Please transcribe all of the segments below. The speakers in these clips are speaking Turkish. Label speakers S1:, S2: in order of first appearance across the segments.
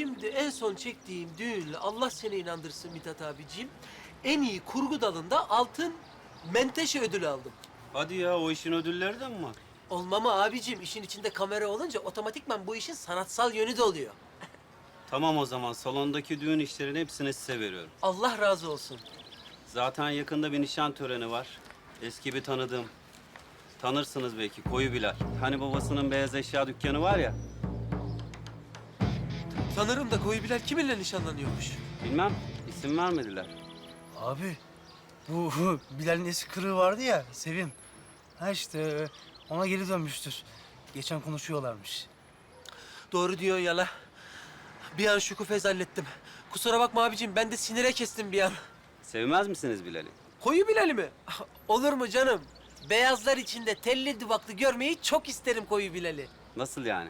S1: şimdi en son çektiğim düğünle Allah seni inandırsın Mithat abiciğim. En iyi kurgu dalında altın menteşe ödülü aldım.
S2: Hadi ya, o işin ödülleri de mi var?
S1: Olmama abicim, işin içinde kamera olunca otomatikman bu işin sanatsal yönü de oluyor.
S2: Tamam o zaman, salondaki düğün işlerinin hepsini size veriyorum.
S1: Allah razı olsun.
S2: Zaten yakında bir nişan töreni var. Eski bir tanıdığım. Tanırsınız belki, Koyu Bilal. Hani babasının beyaz eşya dükkanı var ya.
S1: Sanırım da Koyu Bilal kiminle nişanlanıyormuş?
S2: Bilmem, isim vermediler.
S3: Abi bu Bilal'in eski kırığı vardı ya Sevim. Ha işte ona geri dönmüştür. Geçen konuşuyorlarmış.
S1: Doğru diyorsun yala. Bir an şükufez hallettim. Kusura bakma abicim, ben de sinire kestim bir an.
S2: Sevmez misiniz Bilal'i?
S1: Koyu Bilal'i mi? Olur mu canım? Beyazlar içinde telli duvaklı görmeyi çok isterim Koyu Bilal'i.
S2: Nasıl yani?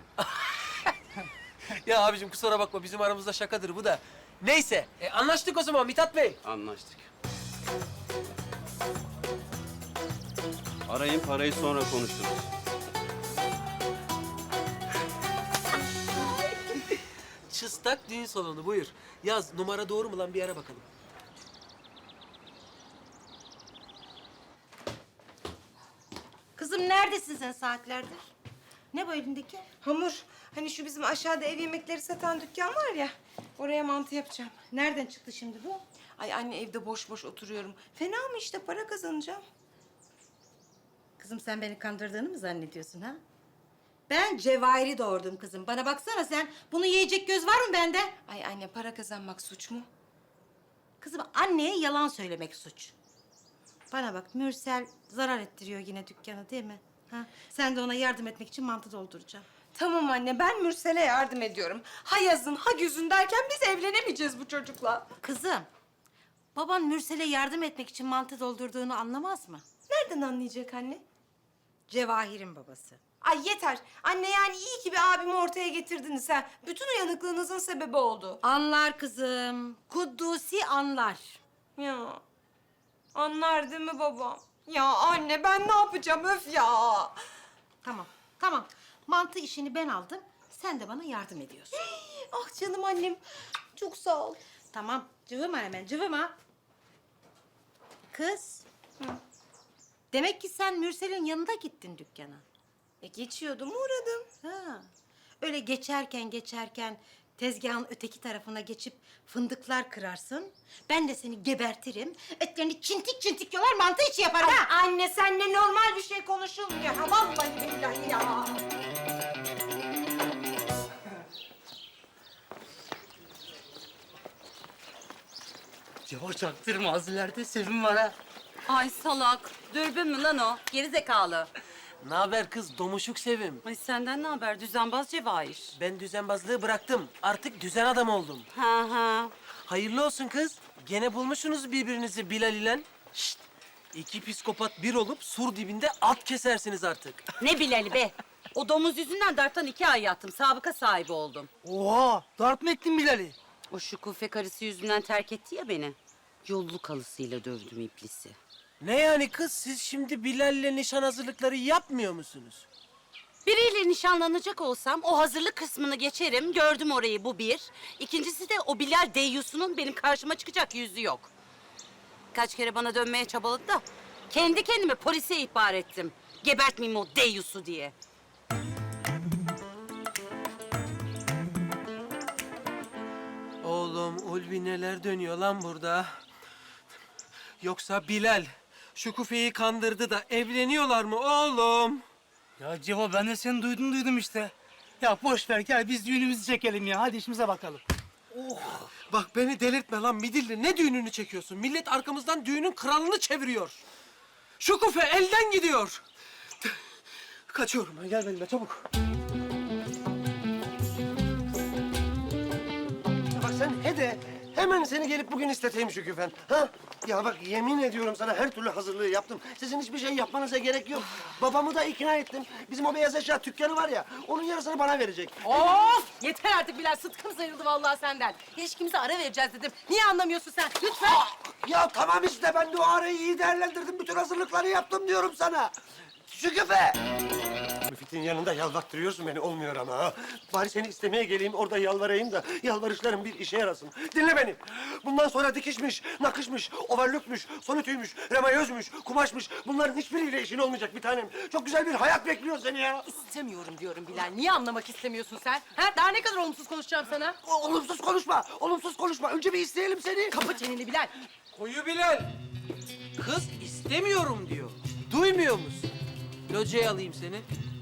S1: Ya abicim kusura bakma, bizim aramızda şakadır bu da. Neyse, anlaştık o zaman Mithat Bey.
S2: Anlaştık. Arayın, parayı sonra konuşuruz.
S1: Çıstak düğün salonu, buyur. Yaz, numara doğru mu lan, bir ara bakalım.
S4: Kızım neredesin sen saatlerdir? Ne bu elindeki?
S5: Hamur. Hani şu bizim aşağıda ev yemekleri satan dükkan var ya. Oraya mantı yapacağım.
S4: Nereden çıktı şimdi bu?
S5: Ay anne, evde boş boş oturuyorum. Fena mı işte, para kazanacağım.
S4: Kızım sen beni kandırdığını mı zannediyorsun ha? Ben Cevahir'i doğurdum kızım. Bana baksana sen. Bunu yiyecek göz var mı bende?
S5: Ay anne, para kazanmak suç mu?
S4: Kızım anneye yalan söylemek suç. Bana bak, Mürsel zarar ettiriyor yine dükkanı değil mi? Ha? Sen de ona yardım etmek için mantı dolduracaksın.
S5: Tamam anne, ben Mürsel'e yardım ediyorum. Ha yazın ha güzün derken biz evlenemeyeceğiz bu çocukla.
S4: Kızım, baban Mürsel'e yardım etmek için mantı doldurduğunu anlamaz mı?
S5: Nereden anlayacak anne?
S4: Cevahir'in babası.
S5: Ay yeter. Anne, yani iyi ki bir abimi ortaya getirdiniz ha. Bütün uyanıklığınızın sebebi oldu.
S4: Anlar kızım. Kuddusi anlar.
S5: Ya anlar değil mi babam? Ya anne, ben ne yapacağım öf ya.
S4: Tamam, tamam. Mantı işini ben aldım. Sen de bana yardım ediyorsun.
S5: Ah canım annem. Çok sağ ol.
S4: Tamam, cıvıma hemen, cıvıma. Kız. Demek ki sen Mürsel'in yanında gittin dükkana.
S5: Geçiyordum, uğradım.
S4: Ha. Öyle geçerken tezgahın öteki tarafına geçip fındıklar kırarsın. Ben de seni gebertirim. Etlerini çintik çintik yolar, mantı içi yaparım ha.
S5: Anne, seninle normal bir şey konuşulmuyor. Ha, vallahi billahi ya.
S3: Cevo çaktırma, az ileride Sevim var ha.
S6: Ay salak. Dürbün mü lan o? Gerizekalı.
S1: Ne haber kız, domuşuk Sevim?
S6: Ay senden ne haber? Düzenbaz Cevahir.
S1: Ben düzenbazlığı bıraktım. Artık düzen adam oldum.
S6: Ha ha.
S1: Hayırlı olsun kız. Gene bulmuşsunuz birbirinizi Bilal ile. Şşt! İki psikopat bir olup sur dibinde at kesersiniz artık.
S6: Ne Bilal'i be? O domuz yüzünden darptan 2 ay yattım. Sabıka sahibi oldum.
S3: Oha, darp mı ettin Bilal'i?
S6: O şükufe karısı yüzünden terk etti ya beni. Yolluk halısıyla dövdüm iblisi.
S1: Ne yani kız, siz şimdi Bilal'le nişan hazırlıkları yapmıyor musunuz?
S6: Biriyle nişanlanacak olsam o hazırlık kısmını geçerim. Gördüm orayı, bu bir. İkincisi de o Bilal deyyusunun benim karşıma çıkacak yüzü yok. Kaç kere bana dönmeye çabaladı da kendi kendime polise ihbar ettim. Gebertmeyeyim o deyyusu diye.
S1: Oğlum Ulvi, neler dönüyor lan burada? Yoksa Bilal Şükufe'yi kandırdı da evleniyorlar mı oğlum?
S3: Ya Cevo, ben de seni duydum işte. Ya boş ver, gel biz düğünümüzü çekelim ya. Hadi işimize bakalım.
S1: Bak beni delirtme lan Midilli. Ne düğününü çekiyorsun? Millet arkamızdan düğünün kralını çeviriyor. Şükufe elden gidiyor. Kaçıyorum ben. Gel benimle çabuk.
S7: Bak sen hede hemen seni gelip bugün isteteyim Şüküfen. Ha? Ya bak, yemin ediyorum sana her türlü hazırlığı yaptım. Sizin hiçbir şey yapmanıza gerek yok. Babamı da ikna ettim. Bizim o beyaz eşya dükkanı var ya, onun yarısını bana verecek.
S8: Of! Yeter artık Bilal, sıtkım sayıldı vallahi senden. İlişkimize ara vereceğiz dedim. Niye anlamıyorsun sen? Lütfen.
S7: Ya tamam işte, ben de o arayı iyi değerlendirdim. Bütün hazırlıkları yaptım diyorum sana. Şüküfe! İffet'in yanında yalvattırıyorsun beni, olmuyor ama ha. Bari seni istemeye geleyim, orada yalvarayım da yalvarışlarım bir işe yarasın. Dinle beni. Bundan sonra dikişmiş, nakışmış, overlockmuş, sonitüymüş, remayözmüş, kumaşmış. Bunların hiçbiriyle işin olmayacak bir tanem. Çok güzel bir hayat bekliyor seni ya.
S8: İstemiyorum diyorum Bilal. Niye anlamak istemiyorsun sen? Ha? Daha ne kadar olumsuz konuşacağım sana?
S7: Olumsuz konuşma, olumsuz konuşma. Önce bir isteyelim seni.
S8: Kapı çeneni Bilal.
S1: Koyu Bilal. Kız istemiyorum diyor. Duymuyor musun? Locaya alayım seni.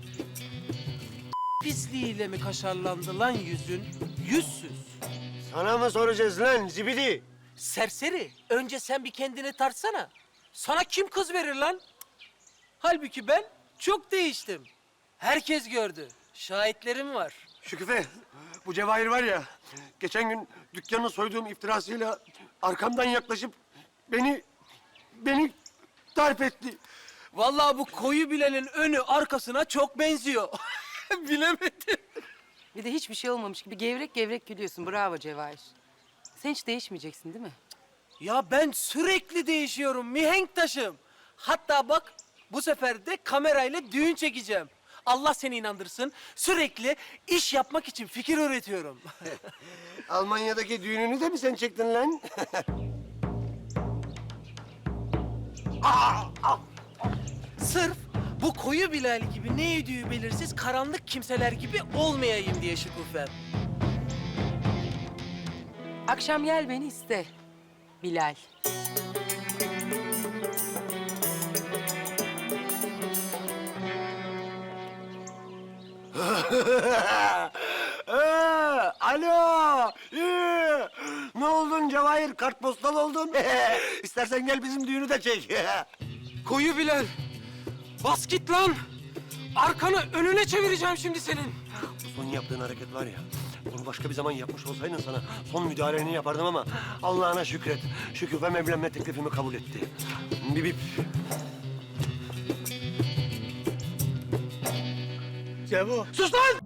S1: Pisliğiyle mi kaşarlandı lan yüzün? Yüzsüz.
S7: Sana mı soracağız lan zibidi?
S1: Serseri. Önce sen bir kendini tartsana. Sana kim kız verir lan? Halbuki ben çok değiştim. Herkes gördü. Şahitlerim var.
S7: Şüküfe, bu Cevahir var ya, geçen gün dükkanını soyduğum iftirasıyla arkamdan yaklaşıp beni darp etti.
S1: Vallahi bu koyu Bilal'in önü arkasına çok benziyor. Bilemedim.
S8: Bir de hiçbir şey olmamış gibi gevrek gevrek gülüyorsun. Bravo Cevahir. Sen hiç değişmeyeceksin değil mi?
S1: Ya ben sürekli değişiyorum mihenk taşım. Hatta bak bu sefer de kamerayla düğün çekeceğim. Allah seni inandırsın. Sürekli iş yapmak için fikir üretiyorum.
S7: Almanya'daki düğününü de mi sen çektin lan?
S1: Sırf bu koyu Bilal gibi ne yediği belirsiz karanlık kimseler gibi olmayayım diye Şükufem.
S8: Akşam gel beni iste. Bilal.
S7: Alo! Ne oldun Cevahir? Kartpostal oldun. İstersen gel bizim düğünü de çek.
S1: Koyu Bilal. Bas git lan. Arkanı önüne çevireceğim şimdi senin.
S7: Son yaptığın hareket var ya, bunu başka bir zaman yapmış olsaydın sana son müdahaleni yapardım ama Allah'ına şükret. Şüküfem evlenme teklifimi kabul etti. Bip.
S3: Cevo.
S7: Sus lan!